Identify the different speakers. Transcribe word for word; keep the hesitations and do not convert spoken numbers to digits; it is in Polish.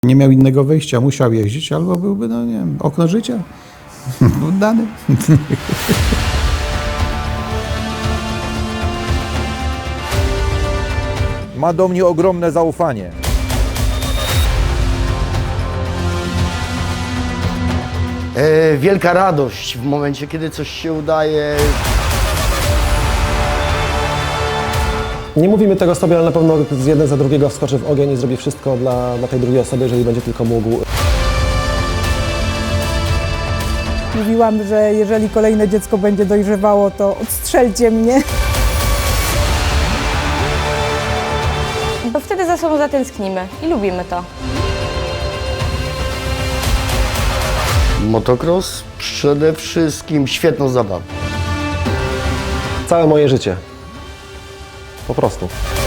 Speaker 1: Nie miał innego wyjścia, musiał jeździć, albo byłby, no nie wiem, okno życia oddany.
Speaker 2: Ma do mnie ogromne zaufanie.
Speaker 3: E, wielka radość w momencie, kiedy coś się udaje.
Speaker 4: Nie mówimy tego sobie, ale na pewno z jeden za drugiego wskoczy w ogień i zrobi wszystko dla, dla tej drugiej osoby, jeżeli będzie tylko mógł.
Speaker 5: Mówiłam, że jeżeli kolejne dziecko będzie dojrzewało, to odstrzelcie mnie.
Speaker 6: Bo wtedy za sobą zatęsknimy i lubimy to.
Speaker 3: Motocross przede wszystkim świetną zabawą.
Speaker 4: Całe moje życie. Po prostu.